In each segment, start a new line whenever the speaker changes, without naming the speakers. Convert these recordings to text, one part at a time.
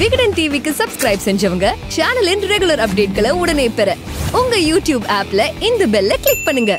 விகடன் டிவிக்கு சப்ஸ்கிரைப் செஞ்சவங்க சேனலின் ரெகுலர் அப்டேட்களை உடனே பெற உங்க யூடியூப் ஆப்ல இந்த பெல்ல கிளிக் பண்ணுங்க.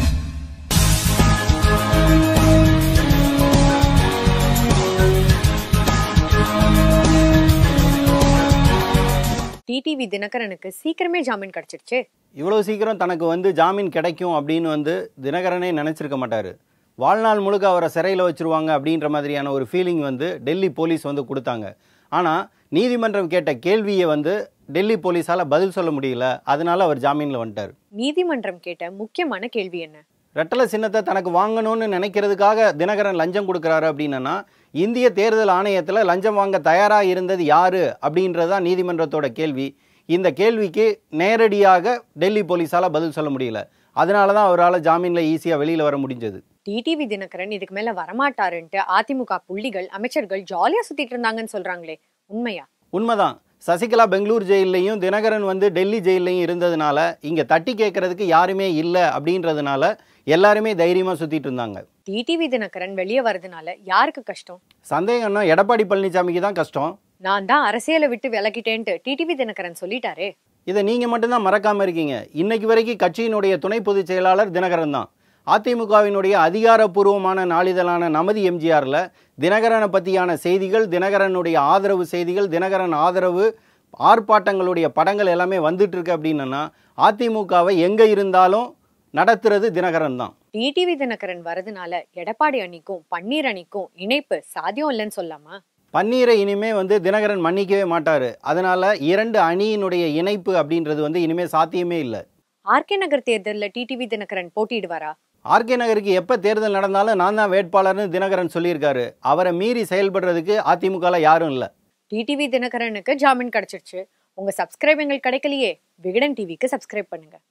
டிடிவி தினகரனுக்கு சீக்கிரமே ஜாமீன் கிடைச்சிருச்சு.
இவ்வளவு சீக்கிரம் தனக்கு ஜாமீன் கிடைக்கும் அப்படின்னு தினகரனே நினைச்சிருக்க மாட்டாரு. வாழ்நாள் முழுக்க அவரை சிறையில் வச்சிருவாங்க அப்படின்ற மாதிரியான ஒரு ஃபீலிங் டெல்லி போலீஸ் கொடுத்தாங்க. ஆனால் நீதிமன்றம் கேட்ட கேள்வியை டெல்லி போலீஸால் பதில் சொல்ல முடியல. அதனால அவர் ஜாமீனில் வந்துட்டார்.
நீதிமன்றம் கேட்ட முக்கியமான கேள்வி என்ன?
ரெட்டலை சின்னத்தை தனக்கு வாங்கணும்னு நினைக்கிறதுக்காக தினகரன் லஞ்சம் கொடுக்குறாரு அப்படின்னா இந்திய தேர்தல் ஆணையத்தில் லஞ்சம் வாங்க தயாராக இருந்தது யாரு அப்படின்றதான் நீதிமன்றத்தோட கேள்வி. இந்த கேள்விக்கு நேரடியாக டெல்லி போலீஸால் பதில் சொல்ல முடியல. அதனால தான் அவரால் ஜாமீனில் ஈஸியாக வெளியில் வர முடிஞ்சது.
டிடிவி தினகரன் இதுக்கு மேல வரமாட்டாருன்ட்டு அதிமுக புள்ளிகள் அமைச்சர்கள் ஜாலியா சுத்திட்டு இருந்தாங்கன்னு சொல்றாங்களே, உண்மையா?
உண்மைதான். சசிகலா பெங்களூர் ஜெயிலையும் தினகரன் டெல்லி ஜெயிலையும் இருந்ததுனால இங்கே தட்டி கேட்கறதுக்கு யாருமே இல்லை அப்படின்றதுனால எல்லாருமே தைரியமாக சுற்றிட்டு இருந்தாங்க.
டிடிவி தினகரன் வெளியே வரதுனால யாருக்கு கஷ்டம்?
சந்தேகம்னா எடப்பாடி பழனிசாமிக்கு தான் கஷ்டம்.
நான் தான் அரசியலை விட்டு விலகிட்டேன்ட்டு டிடிவி தினகரன் சொல்லிட்டாரே.
இதை நீங்கள் மட்டும்தான் மறக்காமல் இருக்கீங்க. இன்னைக்கு வரைக்கும் கட்சியினுடைய துணை பொதுச் செயலாளர் தினகரன் தான். அதிமுகவினுடைய அதிகாரப்பூர்வமான நாளிதழான நமது எம்ஜிஆரில் தினகரனை பற்றியான செய்திகள், தினகரனுடைய ஆதரவு செய்திகள், தினகரன் ஆதரவு ஆர்ப்பாட்டங்களுடைய படங்கள் எல்லாமே வந்துட்டு இருக்கு. அப்படின்னா அதிமுகவை எங்கே இருந்தாலும் நடத்துறது தினகரன் தான்.
டிடிவி தினகரன் வரதுனால எடப்பாடி அணிக்கும் பன்னீர் அணிக்கும் இணைப்பு சாத்தியம் இல்லைன்னு சொல்லாமா?
பன்னீரை இனிமே தினகரன் மன்னிக்கவே மாட்டாரு. அதனால இரண்டு அணியினுடைய இணைப்பு அப்படின்றது இனிமே சாத்தியமே இல்லை.
ஆர்கே நகர் தேர்தலில் டிடிவி தினகரன் போட்டியிடுவாரா?
ஆர்கே நகருக்கு எப்போ தேர்தல் நடந்தாலும் நான் தான் வேட்பாளர்னு தினகரன் சொல்லியிருக்காரு. அவரை மீறி செயல்படுறதுக்கு அதிமுகவில் யாரும் இல்லை.
டிடிவி தினகரனுக்கு ஜாமீன் கிடைச்சிருச்சு. உங்க சப்ஸ்கிரைப் எங்களுக்கு கிடைக்கலையே, விகடன் டிவிக்கு சப்ஸ்கிரைப் பண்ணுங்க.